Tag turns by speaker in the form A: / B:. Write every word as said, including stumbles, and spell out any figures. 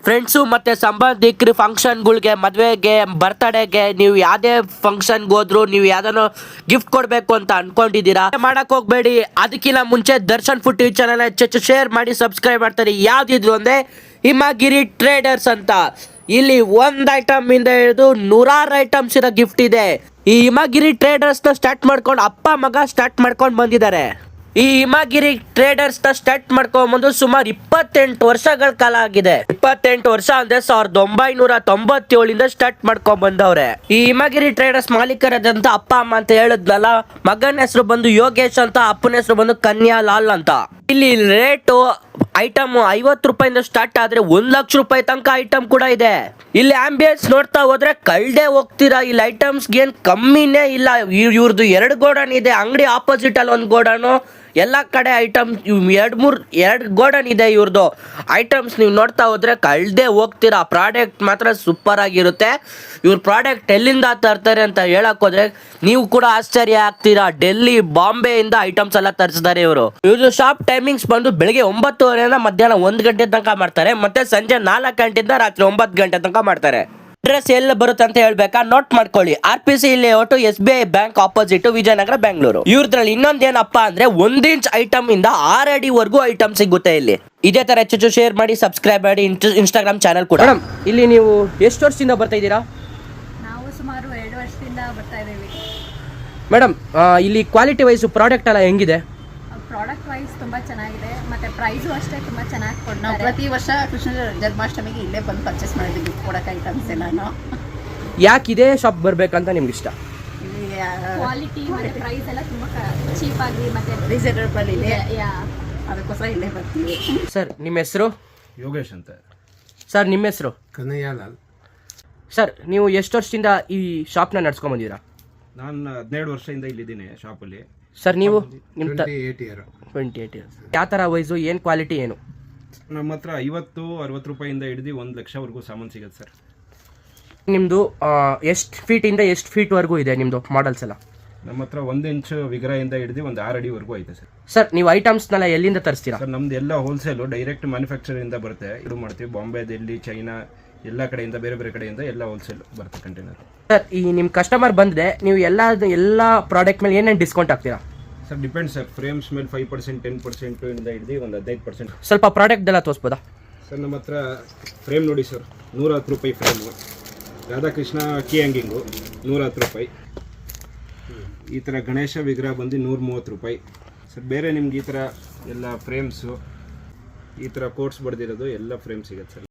A: Friends ಮತ್ತು ಸಂಬಂಧಿಕರು ಫಂಕ್ಷನ್ಗಳಿಗೆ, ಮದುವೆಗೆ, ಬರ್ತ್ಡೇಗೆ, ನೀವು ಯಾವುದೇ ಫಂಕ್ಷನ್ಗೆ ಹೋದ್ರು ನೀವು ಯಾವ್ದಾನೋ ಗಿಫ್ಟ್ ಕೊಡಬೇಕು ಅಂತ ಅನ್ಕೊಂಡಿದ್ದೀರಾ, ಮಾಡಕ್ ಹೋಗ್ಬೇಡಿ. ಅದಕ್ಕಿಂತ ಮುಂಚೆ ದರ್ಶನ್ ಫುಡ್ ಟಿವಿ ಚಾನಲ್ ಹೆಚ್ಚು ಶೇರ್ ಮಾಡಿ ಸಬ್ಸ್ಕ್ರೈಬ್ ಮಾಡ್ತಾರೆ. ಯಾವ್ದಿದ್ರು ಅಂದರೆ ಹಿಮಗಿರಿ ಟ್ರೇಡರ್ಸ್ ಅಂತ. ಇಲ್ಲಿ ಒಂದು ಐಟಮ್ ಇಂದ ಹಿಡಿದು ನೂರಾರು ಐಟಮ್ಸ್ ಇರೋ ಗಿಫ್ಟ್ ಇದೆ. ಈ ಹಿಮಗಿರಿ ಟ್ರೇಡರ್ಸ್ನ ಸ್ಟಾರ್ಟ್ ಮಾಡ್ಕೊಂಡು ಅಪ್ಪ ಮಗ ಸ್ಟಾರ್ಟ್ ಮಾಡ್ಕೊಂಡು ಬಂದಿದ್ದಾರೆ. ಈ ಹಿಮಗಿರಿ ಟ್ರೇಡರ್ಸ್ ನ ಸ್ಟಾರ್ಟ್ ಮಾಡ್ಕೊಂಡ್ಬಂದು ಸುಮಾರು ಇಪ್ಪತ್ತೆಂಟು ವರ್ಷಗಳ ಕಾಲ ಆಗಿದೆ. ಇಪ್ಪತ್ತೆಂಟು ವರ್ಷ ಅಂದ್ರೆ ಸಾವಿರದ ಒಂಬೈನೂರ ತೊಂಬತ್ತೇಳಿಂದ ಸ್ಟಾರ್ಟ್ ಮಾಡ್ಕೊಂಡ್ ಬಂದವ್ರೆ. ಈ ಹಿಮಗಿರಿ ಟ್ರೇಡರ್ಸ್ ಮಾಲೀಕರಾದಂತ ಅಪ್ಪ ಅಮ್ಮ ಅಂತ ಹೇಳಿದ್ನಲ್ಲ, ಮಗನ ಹೆಸರು ಬಂದು ಯೋಗೇಶ್ ಅಂತ, ಅಪ್ಪನ ಹೆಸರು ಬಂದು ಕನ್ಯಾ ಲಾಲ್ ಅಂತ. ಇಲ್ಲಿ ರೇಟು ಐಟಮ್ ಐವತ್ತು ರೂಪಾಯಿಂದ ಸ್ಟಾರ್ಟ್ ಆದ್ರೆ ಒಂದ್ ಲಕ್ಷ ರೂಪಾಯಿ ತನಕ ಐಟಮ್ ಕೂಡ ಇದೆ. ಇಲ್ಲಿ ಆಂಬಿಯನ್ಸ್ ನೋಡ್ತಾ ಹೋದ್ರೆ ಕಳ್ದೆ ಹೋಗ್ತೀರಾ. ಇಲ್ಲಿ ಐಟಮ್ಸ್ ಏನ್ ಕಮ್ಮಿನೇ ಇಲ್ಲ. ಇವ್ರದ್ದು ಎರಡು ಗೋಡನ್ ಇದೆ, ಅಂಗಡಿ ಆಪೋಸಿಟ್ ಅಲ್ಲಿ ಒಂದು ಗೋಡನು, ಎಲ್ಲ ಕಡೆ ಐಟಮ್ ಎರಡು ಮೂರು ಎರಡು ಗೋಡನ್ ಇದೆ ಇವ್ರದ್ದು. ಐಟಮ್ಸ್ ನೀವು ನೋಡ್ತಾ ಹೋದ್ರೆ ಕಳ್ದೆ ಹೋಗ್ತೀರಾ. ಪ್ರಾಡಕ್ಟ್ ಮಾತ್ರ ಸೂಪರ್ ಆಗಿರುತ್ತೆ. ಇವ್ರ ಪ್ರಾಡಕ್ಟ್ ಎಲ್ಲಿಂದ ತರ್ತಾರೆ ಅಂತ ಹೇಳಕ್ ಹೋದ್ರೆ ನೀವು ಕೂಡ ಆಶ್ಚರ್ಯ ಆಗ್ತೀರಾ. ಡೆಲ್ಲಿ, ಬಾಂಬೆಯಿಂದ ಐಟಮ್ಸ್ ಎಲ್ಲ ತರಿಸಿದ್ದಾರೆ ಇವರು. ಇವ್ರದ್ದು ಶಾಪ್ ಟೈಮಿಂಗ್ಸ್ ಬಂದು ಬೆಳಿಗ್ಗೆ ಒಂಬತ್ತುವರೆಯಿಂದ ಮಧ್ಯಾಹ್ನ ಒಂದು ಗಂಟೆ ತನಕ ಮಾಡ್ತಾರೆ, ಮತ್ತೆ ಸಂಜೆ ನಾಲ್ಕು ಗಂಟೆಯಿಂದ ರಾತ್ರಿ ಒಂಬತ್ತು ಗಂಟೆ ತನಕ ಮಾಡ್ತಾರೆ. ಅಡ್ರೆಸ್ ಎಲ್ಲ ಬರುತ್ತೆ ಅಂತ ಹೇಳ್ಬೇಕಾ, ನೋಟ್ ಮಾಡ್ಕೊಳ್ಳಿ. R P C layout, S B I bank opposite, Vijayanagar, Bengaluru. ಇವ್ರದ್ರಲ್ಲಿ ಇನ್ನೊಂದೇನಪ್ಪ ಅಂದ್ರೆ ಒಂದ್ ಇಂಚ್ ಐಟಮ್ ಇಂದ ಆರ್ ಅಡಿ ವರ್ಗೂ ಐಟಮ್ ಸಿಗುತ್ತೆ ಇಲ್ಲಿ. ಇದೇ ತರ ಹೆಚ್ಚು ಶೇರ್ ಮಾಡಿ, ಸಬ್ಸ್ಕ್ರೈಬ್ ಮಾಡಿ, ಇನ್ಸ್ಟಾಗ್ರಾಮ್ ಚಾನಲ್ ಕೂಡ. ಮೇಡಮ್, ಇಲ್ಲಿ ನೀವು ಎಷ್ಟು ವರ್ಷದಿಂದ ಬರ್ತಾ ಇದ್ದೀರಾ?
B: ನಾವು ಸುಮಾರು ಎರಡು ವರ್ಷದಿಂದ ಬರ್ತಾ ಇದ್ದೀವಿ.
A: ಮೇಡಮ್, ಇಲ್ಲಿ ಕ್ವಾಲಿಟಿ ವೈಸ್ ಪ್ರಾಡಕ್ಟ್ ಎಲ್ಲ ಹೆಂಗಿದೆ?
B: ಪ್ರಾಡಕ್ಟ್ ವೈಸ್ ತುಂಬಾ ಚೆನ್ನಾಗಿದೆ, ಮತ್ತೆ ಪ್ರೈಸು ಅಷ್ಟೇ ತುಂಬಾ ಚೆನ್ನಾಗಿ ಕೊಡ್ತಾರೆ.
C: ನಾವು ಪ್ರತಿ ವರ್ಷ ಕೃಷ್ಣ ಜನ್ಮಾಷ್ಟಮಿಗೆ ಇಲ್ಲೇ ಬಂದು ಪರ್ಚೇಸ್ ಮಾಡಿದ್ವಿ ಪ್ರಾಡಕ್ಟ್ ಐಟಮ್ಸ್ ಎಲ್ಲಾನು.
A: ಯಾಕೆ ಇದೇ ಶಾಪ್ ಬರ್ಬೇಕಂತ ನಿಮ್ಗೆ ಇಷ್ಟ?
B: ಕ್ವಾಲಿಟಿ ಮತ್ತೆ ಪ್ರೈಸ್ ಎಲ್ಲ ತುಂಬಾ ಚೀಪ್ ಆಗಿ ಮತ್ತೆ
C: ರೀಸನೇಬಲ್ ಇದೆ, ಅದಕ್ಕೋಸ್ಕರ ಇಲ್ಲೇ ಬರ್ತೀವಿ.
A: ಸರ್, ನಿಮ್ಮ ಹೆಸರು?
D: ಯೋಗೇಶ್ ಅಂತ.
A: ಸರ್, ನಿಮ್ಮ ಹೆಸರು?
D: ಕನ್ನಯ್ಯಲಾಲ್.
A: ಸರ್, ನೀವು ಎಷ್ಟು ವರ್ಷದಿಂದ ಈ ಶಾಪ್ನ ನಡ್ಸ್ಕೊಂಡ್ ಬಂದಿರಾ?
D: ನಾನು ಹದಿನೇಳು ವರ್ಷದಿಂದ ಇಲ್ಲಿದ್ದೀನಿ ಶಾಪಲ್ಲಿ.
A: ಸರ್, ನೀವು ನಿಮ್ಮ
D: twenty eight year
A: twenty eight years ಯಾವ ಥರ ವೈಸು, ಏನು ಕ್ವಾಲಿಟಿ ಏನು?
D: ನಮ್ಮ ಹತ್ರ ಐವತ್ತು ಅರವತ್ತು ರೂಪಾಯಿಂದ ಹಿಡಿದು ಒಂದು ಲಕ್ಷವರೆಗೂ ಸಾಮಾನು ಸಿಗುತ್ತೆ ಸರ್.
A: ನಿಮ್ಮದು ಎಷ್ಟು ಫೀಟಿಂದ ಎಷ್ಟು ಫೀಟ್ವರೆಗೂ ಇದೆ ನಿಮ್ಮದು ಮಾಡೆಲ್ಸ್ ಎಲ್ಲ?
D: ನಮ್ಮ ಹತ್ರ ಒಂದು ಇಂಚು ವಿಗ್ರಹದಿಂದ ಹಿಡಿದು ಒಂದು ಆರು ಅಡಿವರೆಗೂ ಐತೆ ಸರ್.
A: ಸರ್, ನೀವು ಐಟಮ್ಸ್ನೆಲ್ಲ ಎಲ್ಲಿಂದ ತರಿಸ್ತೀರಾ?
D: ಸರ್, ನಮ್ದು ಎಲ್ಲ ಹೋಲ್ಸೇಲು ಡೈರೆಕ್ಟ್ ಮ್ಯಾನುಫ್ಯಾಕ್ಚರಿಂದ ಬರುತ್ತೆ. ಇದು ಮಾಡ್ತೀವಿ. ಬಾಂಬೆ, ದಿಲ್ಲಿ, ಚೈನಾ ಎಲ್ಲ ಕಡೆಯಿಂದ, ಬೇರೆ ಬೇರೆ ಕಡೆಯಿಂದ ಎಲ್ಲ ಹೋಲ್ಸೇಲ್ ಬರುತ್ತೆ ಕಂಟೈನರ್.
A: ಸರ್, ಈ ನಿಮ್ಮ ಕಸ್ಟಮರ್ ಬಂದರೆ ನೀವು ಎಲ್ಲ ಎಲ್ಲ ಪ್ರಾಡಕ್ಟ್ ಮೇಲೆ ಏನೇನು ಡಿಸ್ಕೌಂಟ್ ಹಾಕ್ತೀರಾ?
D: Sir, depend sir. ಫ್ರೇಮ್ಸ್ ಮೇಲೆ ಫೈವ್ ಪರ್ಸೆಂಟ್ ಟೆನ್ ಪರ್ಸೆಂಟ್ ಇಂದ ಹಿಡಿದು ಒಂದು ಹದಿನೈದು ಪರ್ಸೆಂಟ್.
A: ಸ್ವಲ್ಪ ಪ್ರಾಡಕ್ಟ್ ಎಲ್ಲ ತೋರಿಸ್ಬೋದಾ?
D: ಸರ್, ನಮ್ಮ ಹತ್ರ ಫ್ರೇಮ್ ನೋಡಿ ಸರ್, ನೂರ ಹತ್ತು ರೂಪಾಯಿ ಫ್ರೇಮು. ರಾಧಾಕೃಷ್ಣ ಕೀ ಹ್ಯಾಂಗಿಂಗು ನೂರ ಹತ್ತು ರೂಪಾಯಿ. ಈ ಥರ ಗಣೇಶ ವಿಗ್ರಹ ಬಂದು ನೂರ ಮೂವತ್ತು ರೂಪಾಯಿ ಸರ್. ಬೇರೆ ನಿಮ್ಗೆ ಈ ಥರ ಎಲ್ಲ ಫ್ರೇಮ್ಸು, ಈ ಥರ ಕೋಟ್ಸ್ ಬಡ್ದಿರೋದು ಎಲ್ಲ ಫ್ರೇಮ್ ಸಿಗುತ್ತೆ ಸರ್.